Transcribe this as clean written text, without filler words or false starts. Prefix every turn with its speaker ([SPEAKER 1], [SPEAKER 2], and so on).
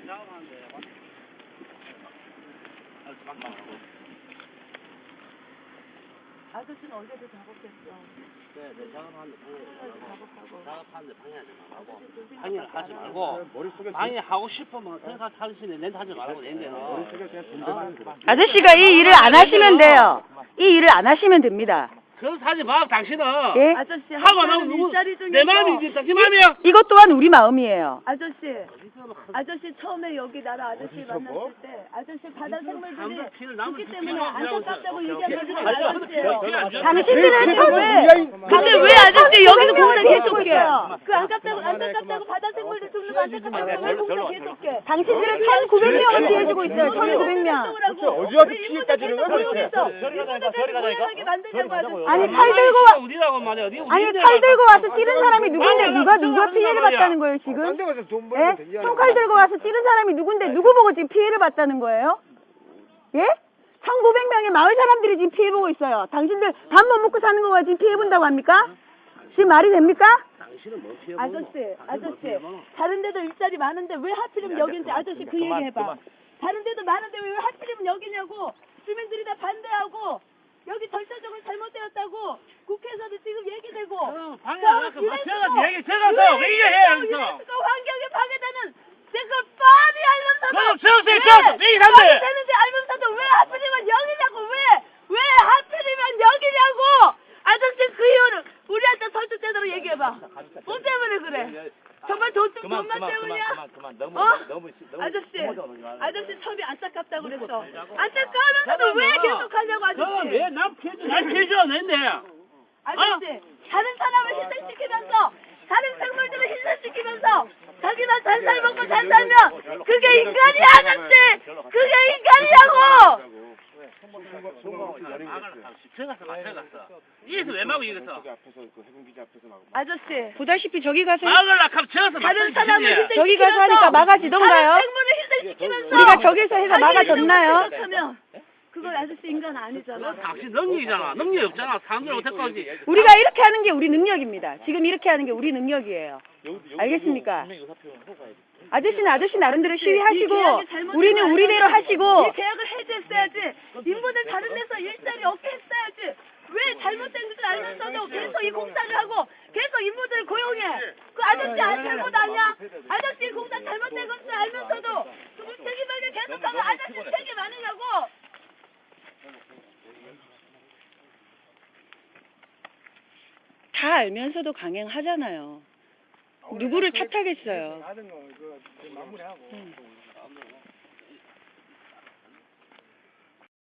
[SPEAKER 1] 아저씨는 어제도 작업했어.
[SPEAKER 2] 네, 작업하는데 작업하는데 방해하지 말고.
[SPEAKER 1] 그
[SPEAKER 2] 방해를 하지 말고. 방해하고 싶으면 생각 할 수 있는 렌트 하지 말고 렌트는.
[SPEAKER 3] 아저씨가 이 일을 안 하시면 돼요. 이 일을 안 하시면 됩니다.
[SPEAKER 2] 그럼 하지 마, 당신은.
[SPEAKER 3] 예?
[SPEAKER 1] 아저씨
[SPEAKER 2] 하고 나면 누구? 내 마음이지, 당신 마음이야.
[SPEAKER 3] 이것 또한 우리 마음이에요.
[SPEAKER 1] 아저씨 처음에 여기 나랑 아저씨 만났을 때 아저씨 바다 생물들이 죽기 때문에 안타깝다고 얘기하는 아저씨예요.
[SPEAKER 3] 당신들은 처음에
[SPEAKER 1] 근데 왜 아저씨 여기서 공사 계속해요? 그 안타깝다고 바다 생물들 죽는 거 안타깝다고 왜 공사 계속해?
[SPEAKER 3] 당신들은 1,900명을 피해주고 있어요. 1,900명.
[SPEAKER 1] 어디 와서 피해까지는 왜 저리 가자니까.
[SPEAKER 3] 아니 칼 들고 와.
[SPEAKER 2] 어디라고 말이야?
[SPEAKER 3] 아니 칼 들고 와서 찌른 사람이 누군데 누가 피해를 봤다는 거예요 지금? 예? 총칼 들고 와서 찌른 사람이 누군데 누구 보고 지금 피해를 봤다는 거예요? 예? 1,900명의 마을 사람들이 지금 피해 보고 있어요. 당신들 밥 못 먹고 사는 거가 지금 피해 본다고 합니까? 지금 말이 됩니까?
[SPEAKER 1] 아저씨 다른 데도 일자리 많은데 왜 하필이면 여긴지 아저씨 그 얘기 해봐. 다른 데도 많은데 왜 하필이면 여기냐고. 주민들이 다 반대하고 여기 절차적으로 잘못되었다고 국회에서도 지금 얘기되고
[SPEAKER 2] 방해하니까 제가 얘기 제가 왜 이해해 여기서
[SPEAKER 1] 환경에 방해되는 그걸 뻔히 알면서도
[SPEAKER 2] 그럼 왜 이런데
[SPEAKER 1] 되는지 알면서도 왜 하필이면 여기냐고 왜 하필이면 여기냐고. 아저씨 그 이유는 우리한테 설득 제대로 얘기해봐. 뭐 때문에 그래? 정말 돈만 때문이야? 너무 아저씨 처음에 안타깝다고 그랬어. 안타까우면서도 왜 계속하냐고 아저씨.
[SPEAKER 2] 왜남 피해줘 낸데
[SPEAKER 1] 아저씨 다른 사람을 희생시키면서 다른 생물들을 희생시키면서 자기만 잘 살먹고 잘 살면 그게 인간이야 아저씨. 그게 인간이냐고.
[SPEAKER 2] 이에서 왜 막고 이겼어?
[SPEAKER 1] 아저씨
[SPEAKER 3] 보다시피 저기 가서
[SPEAKER 2] 막을라 하면 저어서
[SPEAKER 1] 다른 사람을 희생시키면서
[SPEAKER 3] 저기 가서 하니까 막아지던가요?
[SPEAKER 1] 다른 생물을 희생시키면서
[SPEAKER 3] 우리가 저기서 해서 막아줬나요?
[SPEAKER 1] 그걸 아저씨 인간 아니잖아.
[SPEAKER 2] 당신 능력이잖아. 능력이 없잖아. 사람들 어떡하지?
[SPEAKER 3] 우리가 이렇게 하는 게 우리 능력입니다. 지금 이렇게 하는 게 우리 능력이에요. 알겠습니까? 아저씨는 아저씨 나름대로 시위하시고 우리는 우리대로 하시고
[SPEAKER 1] 이 계약을 해제했어야지. 인부들 다른 데서 일자리 없게 했어야지. 왜 잘못된 것을 알면서도 계속 이 공사를 하고 계속 인부들을 고용해. 그 아저씨 잘못 아니야? 아저씨 공사 잘못된 것을 알면서도 그 책임하게 계속하면 아저씨 책임 아니냐고.
[SPEAKER 3] 다 알면서도 강행하잖아요. 누구를 탓하겠어요.